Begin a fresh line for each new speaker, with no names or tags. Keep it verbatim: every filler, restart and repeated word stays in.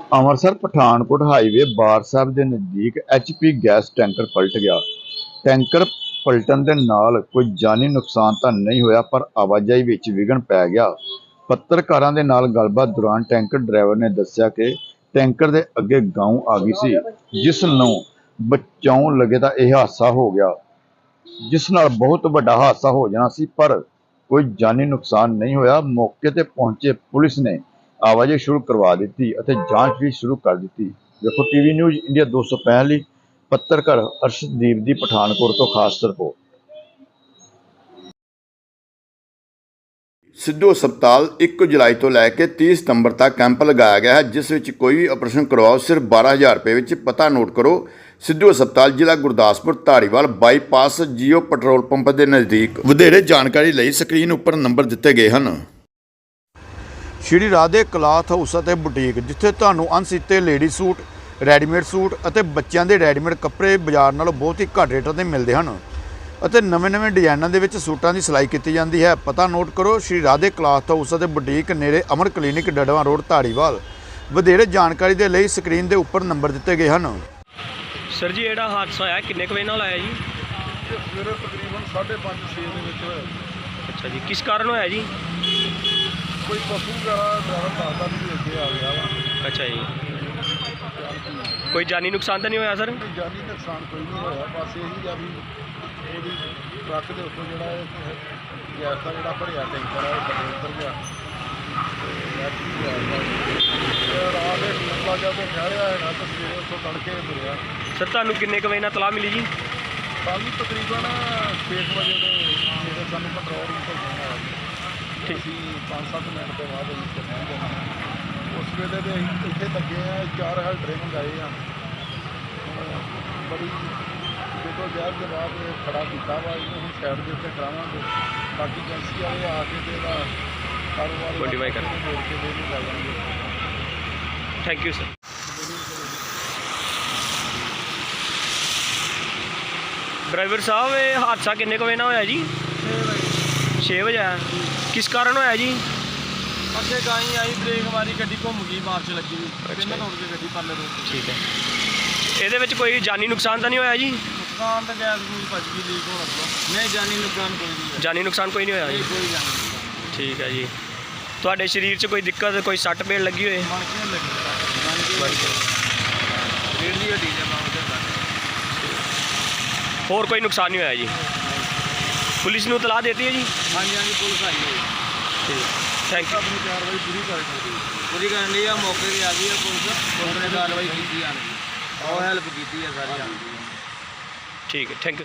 Amritsar Pathankot highway ਬਾਰ ਸਾਹਿਬ ਦੇ ਨਜ਼ਦੀਕ ਐਚ ਪੀ ਗੈਸ ਟੈਂਕਰ ਪਲਟ ਗਿਆ। ਟੈਂਕਰ ਪਲਟਣ ਦੇ ਨਾਲ ਕੋਈ ਜਾਨੀ ਨੁਕਸਾਨ ਤਾਂ ਨਹੀਂ ਹੋਇਆ, ਪਰ ਆਵਾਜਾਈ ਵਿੱਚ ਵਿਘਨ ਪੈ ਗਿਆ। ਪੱਤਰਕਾਰਾਂ ਦੇ ਨਾਲ ਗੱਲਬਾਤ ਦੌਰਾਨ ਟੈਂਕਰ ਡਰਾਈਵਰ ਨੇ ਦੱਸਿਆ ਕਿ ਟੈਂਕਰ ਦੇ ਅੱਗੇ ਗਾਂ ਆ ਗਈ ਸੀ, ਜਿਸ ਨੂੰ ਬਚਾਉਣ ਲੱਗੇ ਤਾਂ ਇਹ ਹਾਦਸਾ ਹੋ ਗਿਆ, ਜਿਸ ਨਾਲ ਬਹੁਤ ਵੱਡਾ ਹਾਦਸਾ ਹੋ ਜਾਣਾ ਸੀ, ਪਰ ਕੋਈ ਜਾਨੀ ਨੁਕਸਾਨ ਨਹੀਂ ਹੋਇਆ। ਮੌਕੇ ਤੇ ਪਹੁੰਚੇ ਪੁਲਿਸ ਨੇ ਆਵਾਜਾਈ ਸ਼ੁਰੂ ਕਰਵਾ ਦਿੱਤੀ ਅਤੇ ਜਾਂਚ ਵੀ ਸ਼ੁਰੂ ਕਰ ਦਿੱਤੀ। ਵੇਖੋ ਟੀਵੀ ਨਿਊਜ਼ ਇੰਡੀਆ ਦੋ ਸੌ ਪੈਂਹਠ ਲਈ ਪੱਤਰਕਾਰ ਅਰਸ਼ਦੀਪ ਦੀ ਪਠਾਨਕੋਟ ਤੋਂ ਖਾਸ ਰਿਪੋਰਟ। ਸਿੱਧੂ ਹਸਪਤਾਲ ਇੱਕ ਜੁਲਾਈ ਤੋਂ ਲੈ ਕੇ ਤੀਹ ਸਤੰਬਰ ਤੱਕ ਕੈਂਪ ਲਗਾਇਆ ਗਿਆ ਹੈ, ਜਿਸ ਵਿੱਚ ਕੋਈ ਵੀ ਆਪਰੇਸ਼ਨ ਕਰਵਾਓ ਸਿਰਫ ਬਾਰਾਂ ਹਜ਼ਾਰ ਰੁਪਏ ਵਿੱਚ। ਪਤਾ ਨੋਟ ਕਰੋ, ਸਿੱਧੂ ਹਸਪਤਾਲ ਜ਼ਿਲ੍ਹਾ Gurdaspur, Dhariwal bypass, Jio petrol pump ਦੇ ਨਜ਼ਦੀਕ। ਵਧੇਰੇ ਜਾਣਕਾਰੀ ਲਈ ਸਕਰੀਨ ਉੱਪਰ ਨੰਬਰ ਦਿੱਤੇ ਗਏ ਹਨ। ਸ਼੍ਰੀ ਰਾਧੇ ਕਲਾਥ ਹਾਊਸ ਅਤੇ ਬੁਟੀਕ, ਜਿੱਥੇ ਤੁਹਾਨੂੰ ਅਣਸੀਤੇ ਲੇਡੀ ਸੂਟ, ਰੈਡੀਮੇਡ ਸੂਟ ਅਤੇ ਬੱਚਿਆਂ ਦੇ ਰੈਡੀਮੇਡ ਕੱਪੜੇ ਬਾਜ਼ਾਰ ਨਾਲੋਂ ਬਹੁਤ ਹੀ ਘੱਟ ਰੇਟਾਂ 'ਤੇ ਮਿਲਦੇ ਹਨ ਅਤੇ ਨਵੇਂ-ਨਵੇਂ ਡਿਜ਼ਾਈਨਾਂ ਦੇ ਵਿੱਚ ਸੂਟਾਂ ਦੀ ਸਿਲਾਈ ਕੀਤੀ ਜਾਂਦੀ ਹੈ। ਪਤਾ ਨੋਟ ਕਰੋ, ਸ਼੍ਰੀ ਰਾਧੇ ਕਲਾਥ ਹਾਊਸ ਅਤੇ ਬੁਟੀਕ, ਨੇੜੇ ਅਮਰ ਕਲੀਨਿਕ, ਡੜਵਾ ਰੋਡ, ਧਾਰੀਵਾਲ। ਵਧੇਰੇ ਜਾਣਕਾਰੀ ਦੇ ਲਈ ਸਕਰੀਨ ਦੇ ਉੱਪਰ ਨੰਬਰ ਦਿੱਤੇ ਗਏ ਹਨ।
ਸਰ ਜੀ, ਜਿਹੜਾ ਹਾਦਸਾ ਹੋਇਆ ਕਿੰਨੇ ਕੁ ਵਜੇ ਨਾਲ ਆਇਆ ਜੀ?
ਸਵੇਰੇ ਤਕਰੀਬਨ ਸਾਢੇ ਪੰਜ ਛੇ ਦੇ ਵਿੱਚ ਹੋਇਆ।
ਅੱਛਾ ਜੀ, ਕਿਸ ਕਾਰਨ ਹੋਇਆ ਜੀ?
ਕੋਈ ਪਸ਼ੂ ਵਗੈਰਾ ਡਰਾਈਵਰ ਦੱਸਦਾ ਵੀ ਅੱਗੇ ਆ ਗਿਆ ਵਾ।
ਅੱਛਾ ਜੀ, ਕੋਈ ਜਾਨੀ ਨੁਕਸਾਨ ਤਾਂ ਨਹੀਂ ਹੋਇਆ ਸਰ?
ਕੋਈ ਜਾਨੀ ਨੁਕਸਾਨ ਕੋਈ ਨਹੀਂ ਹੋਇਆ, ਬਸ ਇਹੀ ਆ ਵੀ ਉਹਦੀ ਟਰੱਕ ਦੇ ਉੱਤੋਂ ਜਿਹੜਾ ਇਹ ਗੈਸ ਦਾ ਜਿਹੜਾ ਭਰਿਆ ਟੈਂਕਰ ਆ ਉਹ ਥੱਲੇ ਉਤਰ ਗਿਆ ਤੇ ਐਕਚੁਅਲੀ ਰਾਤ ਦੇ ਲੰਬਾ ਜਿਹਾ ਤੋਂ ਕਹਿ ਰਿਹਾ ਹੈਗਾ ਤਾਂ ਸਵੇਰੇ ਉੱਥੋਂ ਤੜਕੇ ਮਿਲਿਆ।
ਸਰ ਤੁਹਾਨੂੰ ਕਿੰਨੇ ਕੁ ਵਜੇ ਨਾਲ ਤਲਾਹ ਮਿਲੀ ਜੀ?
ਸਾਨੂੰ ਤਕਰੀਬਨ ਛੇ ਕੁ ਵਜੇ ਦੇ ਜਿਹੜੇ ਸਾਨੂੰ ਕੰਟਰੋਲ ਰੂਮ ਤੋਂ ਫੋਨ ਆਇਆ ਜੀ।
ਠੀਕ।
ਅਸੀਂ ਪੰਜ ਸੱਤ ਮਿੰਟ ਤੋਂ ਬਾਅਦ ਅਸੀਂ ਇੱਥੇ ਪਹੁੰਚ ਗਏ। ਉਸ ਵੇਲੇ ਦੇ ਅਸੀਂ ਇੱਥੇ ਲੱਗੇ ਆ, ਚਾਰ ਹੈਲਡਰੇ ਮੰਗਾਏ ਆ। ਬੜੀ ਜਦੋਂ ਜ਼ਹਿਰ ਦੇ ਬਾਅਦ ਖੜਾ ਕੀਤਾ ਵਾ, ਇਹਨੂੰ ਹੁਣ ਸਾਈਡ ਦੇ ਉੱਤੇ ਕਰਾਵਾਂਗੇ। ਬਾਕੀ ਏਜੰਸੀ ਵਾਲੇ ਆ ਕੇ ਤੇ ਇਹਦਾ ਕਾਰੋਬਾਰ
ਮੋਡੀਫਾਈ ਕਰ
ਮੋੜ ਕੇ ਦੇ ਨੂੰ ਲੈ ਜਾਣਗੇ।
Thank you sir. ਡਰਾਈਵਰ ਸਾਹਿਬ, ਇਹ ਹਾਦਸਾ ਕਿੰਨੇ ਕੁ ਵਜੇ ਨਾਲ ਹੋਇਆ ਜੀ? ਛੇ ਵਜੇ ਆਇਆ। ਕਿਸ ਕਾਰਨ ਹੋਇਆ ਜੀ?
ਅੱਗੇ ਗਾਈ ਆਈ, ਬ੍ਰੇਕ ਮਾਰੀ, ਗੱਡੀ ਘੁੰਮ ਗਈ, ਮਾਰਚ ਲੱਗੀ ਵੀ ਤਿੰਨ ਤੋੜ ਕੇ ਗੱਡੀ ਪਰਲੇ ਰੋਡ।
ਠੀਕ ਹੈ, ਇਹਦੇ ਵਿੱਚ ਕੋਈ ਜਾਨੀ ਨੁਕਸਾਨ ਤਾਂ ਨਹੀਂ ਹੋਇਆ ਜੀ?
ਨੁਕਸਾਨ ਤਾਂ ਗੈਸ ਗੂਸ ਭੱਜ ਗਈ, ਲੀਕ ਹੋਣ ਲੱਗਾ। ਨਹੀਂ, ਜਾਨੀ ਨੁਕਸਾਨ ਕੋਈ ਨਹੀਂ।
ਜਾਨੀ ਨੁਕਸਾਨ ਕੋਈ ਨਹੀਂ ਹੋਇਆ ਜੀ?
ਕੋਈ ਜਾਨੀ ਨੁਕਸਾਨ।
ਠੀਕ ਹੈ ਜੀ। ਤੁਹਾਡੇ ਸਰੀਰ 'ਚ ਕੋਈ ਦਿੱਕਤ, ਕੋਈ ਸੱਟ ਪੇੜ ਲੱਗੀ ਹੋਏ?
ਮਣ ਕੇ ਲੱਗੀ ਰੇਡ ਦੀ ਹੱਡੀ ਦੇ ਮਾਂ ਤੇ ਲੱਗ।
ਹੋਰ ਕੋਈ ਨੁਕਸਾਨ ਨਹੀਂ ਹੋਇਆ ਜੀ? ਪੁਲਿਸ ਨੂੰ ਤਲਾਹ ਦੇਤੀ ਹੈ ਜੀ?
ਹਾਂਜੀ ਹਾਂਜੀ, ਪੁਲਿਸ ਆਈ ਹੈ।
ਠੀਕ, ਥੈਂਕ ਯੂ।
ਆਪਣੀ ਕਾਰਵਾਈ ਪੂਰੀ ਕਰ ਪੂਰੀ ਕਰਨ ਲਈ ਆ, ਮੌਕੇ 'ਤੇ ਆ ਗਈ ਆ ਪੁਲਿਸ। ਪੁਲਿਸ ਨੇ ਕਾਰਵਾਈ ਕੀਤੀ ਆਣ ਕੇ, ਉਹ ਹੈਲਪ ਕੀਤੀ ਆ ਸਾਰੀ ਆਣ ਕੇ।
ਠੀਕ ਹੈ, ਥੈਂਕ ਯੂ।